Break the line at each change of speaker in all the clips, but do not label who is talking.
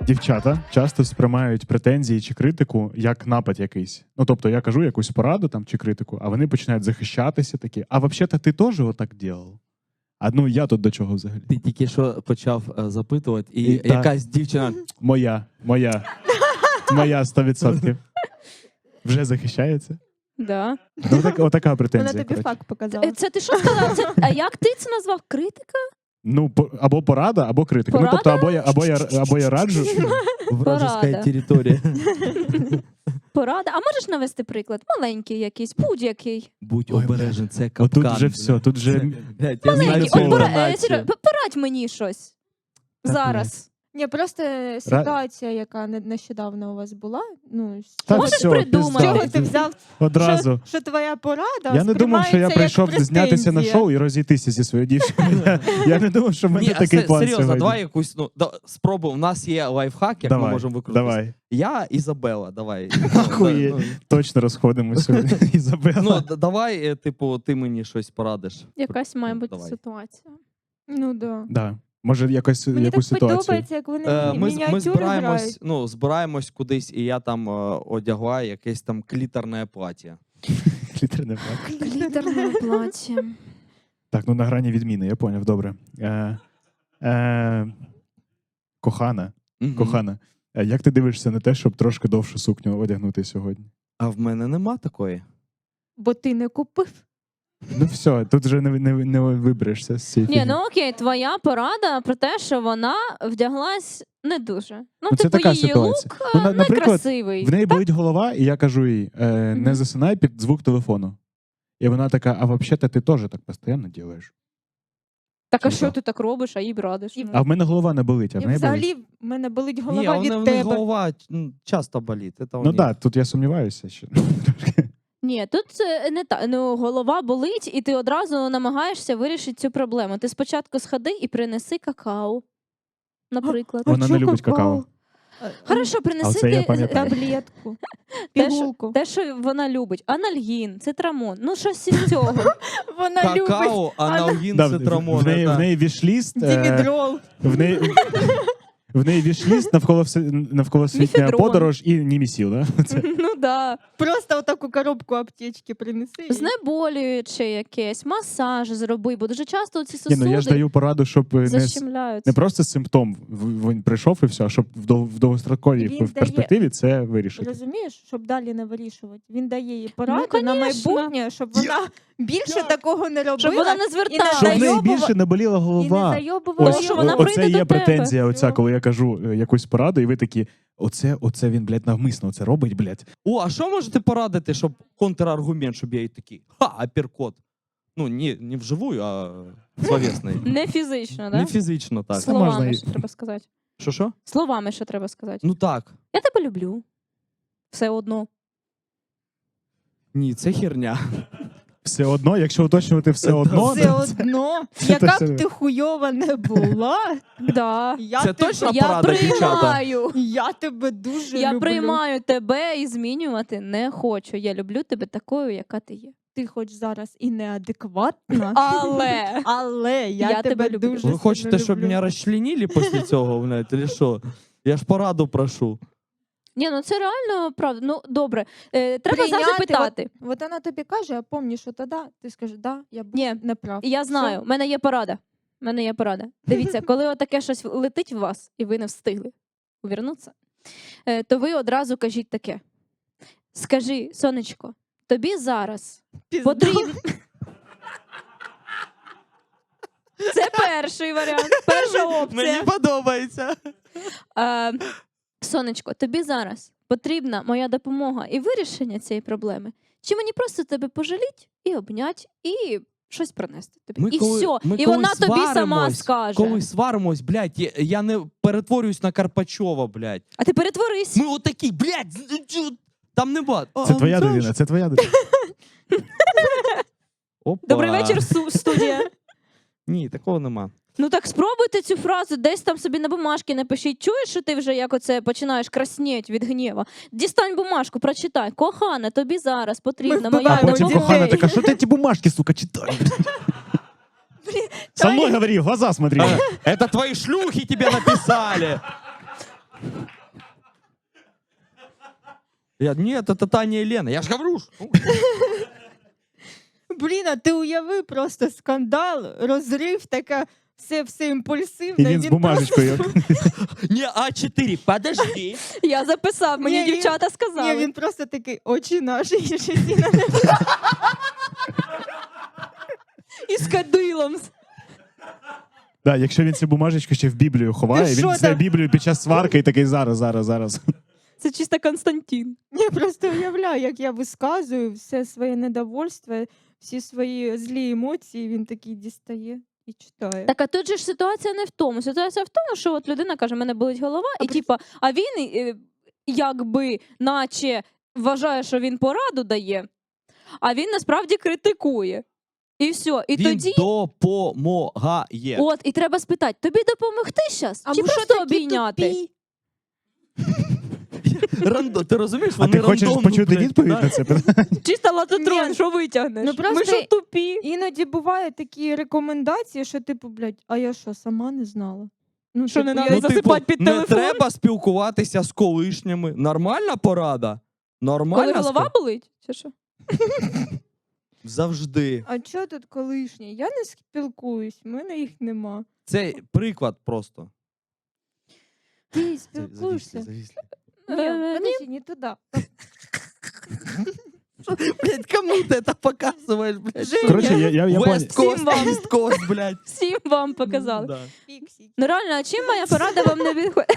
Дівчата часто сприймають претензії чи критику як напад якийсь. Ну, тобто я кажу якусь пораду там чи критику, а вони починають захищатися такі. А взагалі-то ти теж отак робив? А ну я тут до чого взагалі?
Ти тільки що почав запитувати, і
І
якась дівчина.
Моя 100%. Вже захищається?
Да.
Ну, отака претензія.
Вона тобі
коротше.
факт показала.
Це ти що сказав? А як ти це назвав? Критика?
Ну, або порада, або критика. Ну, тобто, або я раджу.
Вражеская
Порада.
територія.
Порада. А можеш навести приклад? Маленький якийсь, будь-який.
Будь
Ой,
обережен, це капкан.
Отут вже все, тут вже...
Блядь, я знаю
Маленький.
цю
От
інформацію.
Серьо, порадь мені щось.
Так,
Зараз.
Ні, просто ситуація, яка нещодавно у вас була. Ну,
Та
Можеш
все,
придумати.
пізда.
чого ти взяв,
Одразу.
що твоя порада
Я не думав, що я
сприймається як
прийшов знятися на
претензія.
шоу і розійтися зі своєю дівчиною. Я не думав, що в мене
Ні,
такий план
серйозно,
сьогодні.
давай якусь, спробуй. У нас є лайфхак, як ми можемо викрутитися.
Давай.
Я Ізабела, давай.
Ахуєть. Точно розходимося сьогодні. Ізабела.
Давай, типу, ти мені щось порадиш.
Якась має бути
Давай.
ситуація.
Ну, да.
Да. Може, якусь
Мені так
ситуацію.
подобається, як вони
Ми
мініатюри грають.
збираємось кудись, і я там одягла якесь там клітерне плаття.
Клітерне плаття.
Глітерне плаття.
Так, ну на грані відміни, я поняв, добре. Кохана, як ти дивишся на те, щоб трошки довшу сукню одягнути сьогодні?
А в мене нема такої.
Бо ти не купив.
Ну все, тут вже не виберешся з цієї
Ні,
фігні.
ну окей, твоя порада про те, що вона вдяглась не дуже. Ну,
Ну, це
типу,
така
її
ситуація.
лук
Ну, наприклад,
некрасивий.
В неї болить голова, і я кажу їй, не
Мгм.
засинай під звук телефону. І вона така, а взагалі-то ти теж так постійно робиш.
Так а
Чого?
що ти так робиш, а їй б радиш?
І
Ну.
А в мене голова не болить, а в
І
неї болить.
взагалі в мене болить
Ні,
голова
в
від
неї
тебе.
голова часто болить. Це у
Ну
них.
так, тут я сумніваюся. Що...
Ні, тут не так. Ну, голова болить, і ти одразу намагаєшся вирішити цю проблему. Ти спочатку сходи і принеси какао, наприклад.
Вона не любить какао.
Хорошо,
А
принеси
це я
ти
пам'ятаю.
Таблетку,
те,
пігулку.
що вона любить. Анальгін, цитрамон, ну щось із цього.
Вона любить
Какао, аналгін,
Да,
цитрамон.
в неї вішліст.
дімідрол.
В неї вішліст навколосвітня
Міфедрон.
подорож і німісіл, да? Це.
Ну да.
Просто отаку коробку аптечки принеси. і-
Знеболююче якесь, масаж зроби, бо дуже часто ці
Ні,
сосуди
ну я ж даю пораду, щоб
защемляються.
не просто симптом він прийшов і все, а щоб в довгостроковій
Він
перспективі це вирішити.
Розумієш, щоб далі не вирішувати. Він дає їй поради
Ну,
на
конечно.
майбутнє, щоб вона більше такого не робила.
Щоб вона не
і
зверталася.
Щоб в неї
зайобува-
більше не боліла
і не
голова.
зайобувала.
Ось, що вона
його.
прийде
Оце є
до тебе.
претензія оця,
Всьо.
коли я кажу якусь пораду, і ви такі, оце він, блядь, навмисно це робить, блядь.
О, а що можете порадити, щоб контраргумент, щоб я їй такий, апперкот. Ну, не вживую, а словесний.
Не фізично,
Не
да?
фізично, так.
Слова.
Словами,
можна і-
що треба сказати.
Що?
Словами, що треба сказати.
Ну так.
Я тебе люблю. Все одно.
Ні, це херня.
Все одно, якщо уточнювати все одно,
Все одно, яка
точно.
б ти хуйова не була,
Да.
я
Це
тебе,
точно?
Я
порада, дівчата.
приймаю.
я тебе дуже
Я
люблю.
приймаю тебе і змінювати не хочу. Я люблю тебе такою, яка ти є.
Ти хоч зараз і неадекватна,
Але
я тебе
люблю.
дуже
Ви хочете,
сильно
щоб
люблю.
мене розчленили після цього, блядь, чи що? Я ж пораду прошу.
Ні, ну це реально правда. Ну добре. Треба
Прийняти,
завжди питати.
От вона тобі каже, а помніш, що тоді ти скажеш, да, я був
Ні.
неправ.
Я знаю, в мене є порада. В мене є порада. Дивіться, коли отаке щось летить в вас, і ви не встигли увернутися, то ви одразу кажіть таке. Скажи, сонечко, тобі зараз
Пізда.
потрібно. Це перший варіант, перша опція.
подобається.
Сонечко, тобі зараз потрібна моя допомога і вирішення цієї проблеми. Чи мені просто тебе пожаліть і обнять, і щось принести тобі? І все. І вона тобі сама скаже.
Коли сваримось, блядь, я не перетворююсь на Карпачова, блядь.
А ти перетворись.
Ми отакі, блядь, там нема.
це твоя дитина, це твоя дитина.
Опа.
Добрий вечір, студія.
Ні, такого нема.
Ну так спробуйте цю фразу, десь там собі на бумажці напишіть. Чуєш, що ти вже як оце починаєш краснеть від гнєва? Дістань бумажку, прочитай. Кохана, тобі зараз потрібна
Ми
моя
А
вбиваємо
потім
дітей.
кохана така, що ти ці бумажки, сука, читаєш? Со мною говори, в глаза смотри.
Это твои шлюхи тебе написали. Нет, это Таня и Лена. Я ж говорю.
Блін, а ти уяви просто скандал, розрив, така все імпульсивне.
І він з бумажечкою.
Не, А4, подожди.
Я записав, мені
Ні, він-
дівчата
Ні,
сказали.
він просто такий, очі наші, і щось і на небо.
І з кадилом.
Да, якщо він цю бумажечку ще в Біблію ховає,
Ти
він
що
це
там?
Біблію під час сварки і такий зараз.
Це чисто Константин.
Я просто уявляю, як я висказую все своє недовольство, всі свої злі емоції, він такий дістає і читає.
Так, а тут же ж ситуація не в тому. Ситуація в тому, що от людина каже, мене болить голова,
А
і
при-
типа, а він якби наче вважає, що він пораду дає, а він насправді критикує. І все. І
Він
тоді,
допомагає.
от, і треба спитати, тобі допомогти зараз? Чи
ви
просто
такі
обійняти?
тупі?
Ти розумієш,
А
вони
ти хочеш
рандомно,
почути
блядь,
відповідь
да.
на це питання?
Чисто латотрон,
Ні.
що витягнеш?
Ну, просто
Ми що тупі?
Іноді бувають такі рекомендації, що типу, блядь, а я що, сама не знала? Ну,
Що не
типу,
надо
я-
засипати під
не
телефон?
треба спілкуватися з колишніми. Нормальна порада? Нормальна?
Коли голова болить? Чи що?
Завжди.
А чого тут колишні? Я не спілкуюсь, в мене їх нема.
Це приклад просто.
Ти спілкуєшся?
Завісли.
Ні, подожди, не туди.
Блядь, кому ти це показуєш, блядь?
Женя.
Коротше, я понял.
West Coast,
Всім вам.
East Coast, блядь.
Всім вам показали.
Да.
Фіксики.
Ну реально, а чим моя порада вам не відходить?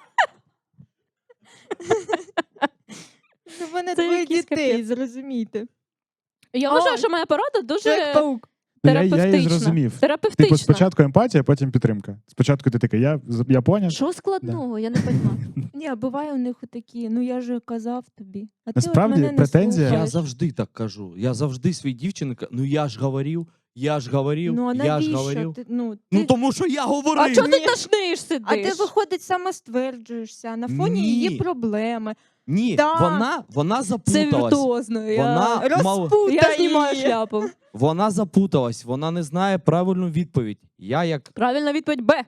У мене
Це
двоє
якийсь
дітей,
капець.
зрозумійте.
Я
О,
вважаю, що моя порада дуже
Чоловік-паук.
Ну, я її
терапевтична.
зрозумів.
Терапевтична.
Типу, спочатку емпатія, потім підтримка. Спочатку ти такий, я поняв.
Що складного? Я не розумію.
Ні, а буває у них такі, ну я же казав тобі. А
Насправді,
ти от мене не
претензія-
Я
слухаєш.
завжди так кажу. Я завжди своїй дівчині кажу, ну я ж говорив, я ж говорив,
Ну а
я ж
навіщо?
говорив.
Ти, ну,
Ну
ти...
тому що я говорив.
А чого ти
Ні.
тошниш сидиш?
А ти, виходить, самостверджуєшся на фоні
Ні.
її проблеми.
Ні,
Да.
вона
Це
запуталась.
віртуозно.
Вона мало...
Я знімаю
її.
шляпу.
Вона запуталась, вона не знає правильну відповідь. Я як
Правильна відповідь Б.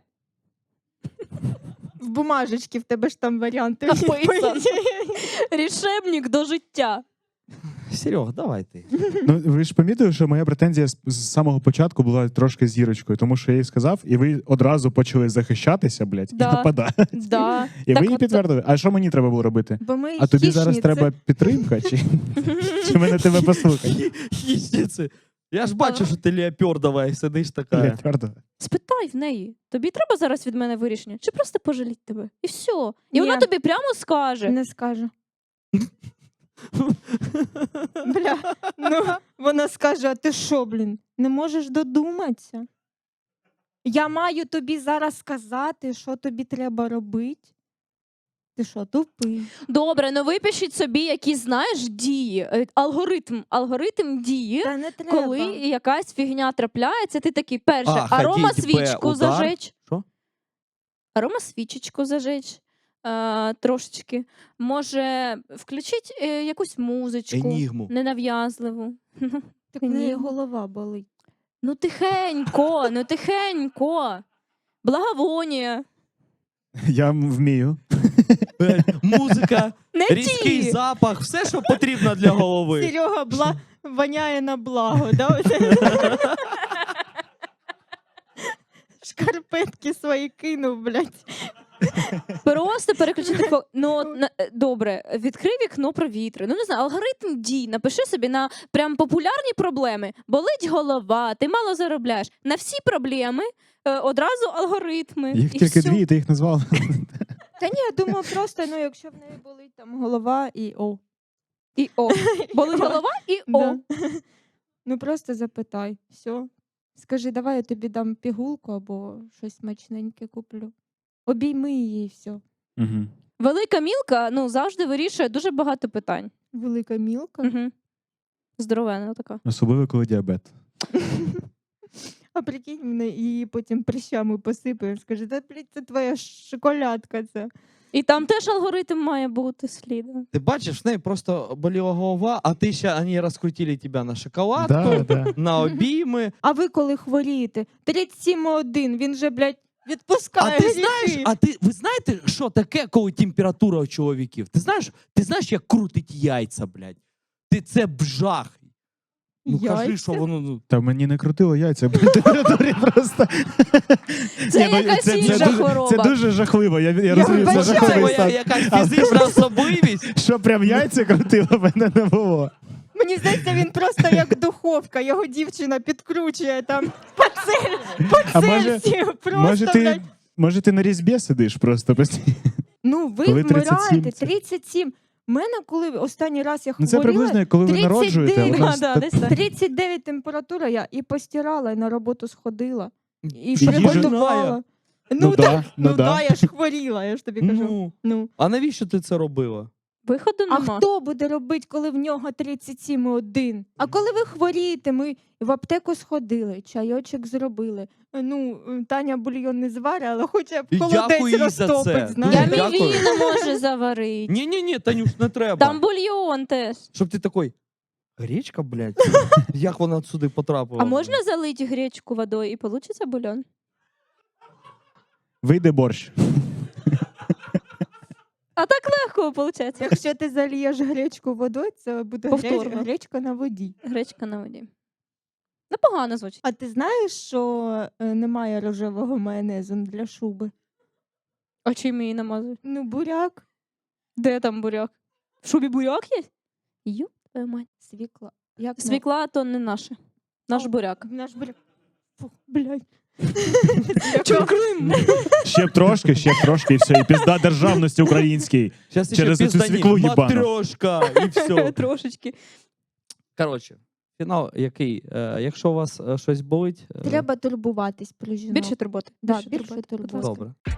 В бумажечці в тебе ж там варіанти.
Написано. Рішебник до життя.
Серег, давай ти.
Ну, ви ж помітили, що моя претензія з самого початку була трошки з зірочкою, тому що я їй сказав, і ви одразу почали захищатися, блядь,
Да.
і нападати.
Да.
І
Так
ви її
от-
підтвердили. А що мені треба було робити?
Бо ми
А тобі зараз
хищниці.
треба підтримка? Чи мене тебе послухати?
Хищниці. Я ж бачу, що ти леопардова і сидиш така.
Блядь, твердо.
Спитай в неї. Тобі треба зараз від мене вирішення? Чи просто пожаліть тебе? І все. І
Ні.
вона тобі прямо скаже.
Не скаже. Бля, ну вона скаже: а ти що, блін, не можеш додуматися? Я маю тобі зараз сказати, що тобі треба робити. Ти що, тупий?
Добре, ну випишіть собі якісь, знаєш, дії, алгоритм дії.
Та не треба.
Коли якась фігня трапляється, ти такий перше,
А,
арома
ходіть, Б,
свічку
удар.
зажечь.
Що?
Арома свічечку зажечь трошечки. Може, включить якусь музичку
Енігму.
ненав'язливу.
Так в неї
Ні.
голова болить.
Ну тихенько, ну тихенько. Благовонія.
Я вмію.
Музика,
Не
різкий
ті.
запах, все, що потрібно для голови.
Серега воняє на благо, да? Шкарпетки свої кинув, блядь.
Просто переключити ну, от, добре, відкрий вікно провітри. Ну не знаю, алгоритм дій. Напиши собі на прям популярні проблеми. Болить голова, ти мало заробляєш. На всі проблеми одразу алгоритми.
Їх
і
тільки
всьо.
дві, ти їх назвала.
Та ні, я думаю, просто, ну, якщо в неї болить там голова і о.
І о. Болить голова і о.
Да. Ну просто запитай. Все. Скажи, давай я тобі дам пігулку або щось смачненьке куплю. Обійми її і все.
Угу.
Велика мілка ну, завжди вирішує дуже багато питань.
Велика мілка.
Угу. Здоровена така.
Особливо, коли діабет.
А прикинь, мене її потім прищами посипає. Скаже, да, блядь, це твоя шоколадка це.
І там теж алгоритм має бути слідом.
Ти бачиш, в неї просто боліла голова, а ти ще вони розкрутили тебе на шоколадку,
Да, да.
на обійми.
А ви коли хворієте? 37,1, він же, блядь, Відпускає
А ти знаєш,
гріхи.
ви знаєте, що таке, коли температура у чоловіків? Ти знаєш, як крутить яйця, блядь? Це жах. Ну кажи,
Яйця?
що воно. Ну,
Та мені не крутило яйця при температурі просто.
Це
Ні, ну,
якась інша
дуже-
хвороба.
Це дуже жахливо. Я розумію, це
вибачаю,
жахливий
моя
стан.
якась
Але
фізична особливість.
Що прям яйця крутило, мене не було.
Мені здається, він просто як духовка. Його дівчина підкручує там по
А може,
Цельсію.
може,
Просто,
ти,
блядь.
може ти на різьбі сидиш просто постійно?
Ну, ви
коли
вмираєте.
37 це?
37. У мене, коли останній раз я
Ну це
хворіла,
приблизно, як коли ви
39,
народжуєте. у нас
Да,
так-
десь так.
39 температура, я і постирала, і на роботу сходила, і
їжу-
приготувала.
Ну да, ну да.
да, я ж хворіла, я ж тобі кажу.
Ну,
Ну.
а навіщо ти це робила?
Виходу
А
нема.
хто буде робити, коли в нього 37,1? А коли ви хворієте, ми в аптеку сходили, чайочок зробили. Ну, Таня бульйон не зварить, але хоча б
І дякую
холодець
їй за
розтопить,
це.
Я
знаєш.
Дуже дякую.
мівіну можу заварити.
Ні, Танюш, не треба.
Там бульйон теж.
Щоб ти такий, гречка, блядь, як вона сюди потрапила?
А можна залити гречку водою і получиться бульйон?
Вийде борщ.
А так легко виходить.
Якщо ти зальєш гречку водою, це буде
Повторно.
гречка на воді.
Гречка на воді. Непогано звучить.
А ти знаєш, що немає рожевого майонезу для шуби?
А чим її намазують?
Ну, буряк,
Де там буряк? В шубі буряк є? Йоп, твою мать.
свікла. Як
Свікла то не наше. Наш буряк.
Наш буряк. Фу, блядь.
Чо Крим?
Ще б трошки, і все. І пізда державності українській.
Щас
через
ще
оцю
піздані.
свіклу їбану.
Матрьошка, і все.
Трошечки.
Коротше, фінал який? Якщо у вас щось болить,
Треба турбуватись про жінок.
Більше турботи.
Да, більше турботи.
добре.